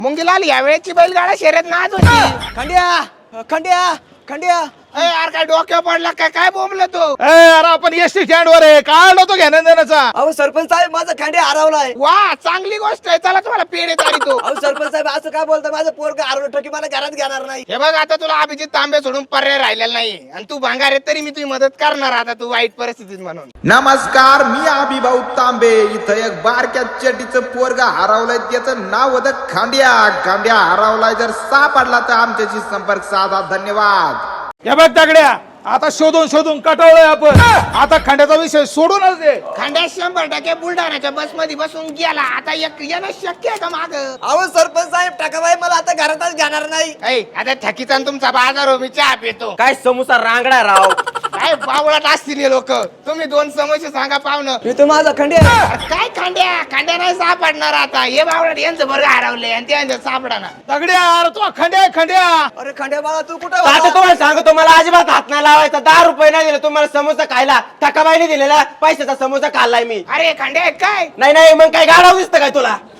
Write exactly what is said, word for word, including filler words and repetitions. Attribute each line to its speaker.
Speaker 1: मुंगीलाल या वेळेची बैलगाडा शर्यत नाच होती.
Speaker 2: खंड्या खंड्या खंड्या
Speaker 1: ए, यार काय डोक्यावर पडला काय काय बोंबलं तो?
Speaker 3: अरे आपण एसटी स्टँड वर आहे काय तो घेण्या देण्याचा.
Speaker 2: अहो सरपंच साहेब माझा खंड्या हरवलाय.
Speaker 1: वा चांगली गोष्ट आहे, चला तुम्हाला पेढे तो.
Speaker 2: अहो सरपंच साहेब असं काय बोलता, माझं पोरग हरवलं ठोकी मला घरात घेणार नाही.
Speaker 1: हे बघ आता तुला अभिजित तांबे सोडून पर्याय राहिलेला नाही आणि तू भांगार आहे तरी मी तुझी मदत करणार आता तू वाईट परिस्थितीत म्हणून.
Speaker 4: नमस्कार, मी अभिभाऊ तांबे. इथं एक बारक्या चटीचं पोरगा हरवलंय, त्याचं नाव होतं खांड्या. खांड्या हरवलाय, जर सापडला तर आमच्याशी संपर्क साधा. धन्यवाद.
Speaker 3: हे बघ दगड्या, आता शोधून शोधून कटवलंय आपण. आता खंड्याचा विषय सोडूनच दे.
Speaker 1: खांड्या शंभर टक्के बुलढाण्याच्या बस मध्ये बसून गेला. आता एक येणं शक्य आहे का माग?
Speaker 2: अहो सरपंच साहेब टाकाबाई मला आता घरातच घेणार नाही.
Speaker 1: ऐ आता थकीचा न तुमचा बाजार हो, मी चहा पितो.
Speaker 2: काय समोसा रांगडा राव.
Speaker 1: काय बावळात असतील लोक. तुम्ही दोन समस्या सांगा पाहुणं.
Speaker 2: मी तो माझा खंड्या.
Speaker 1: अरे काय खांड्या खांड्या नाही सापडणार आता. हे बावळात यांचं बरं हरवलंय आणि त्यांचं सापडाना.
Speaker 3: दगड्या अरे तो खंड्या खंड्या.
Speaker 2: अरे खंड्या बाळा तू कुठे
Speaker 5: आता तुम्हाला सांगतो, मला अजिबात हात नाही लावायचा. दहा रुपये नाही दिले तुम्हाला समोसा खायला. थकाबाईने दिलेला पैशाचा समोसा खाल्लाय मी.
Speaker 1: अरे खांड्या काय
Speaker 5: नाही नाही मग काय गाडा दिसतं काय तुला?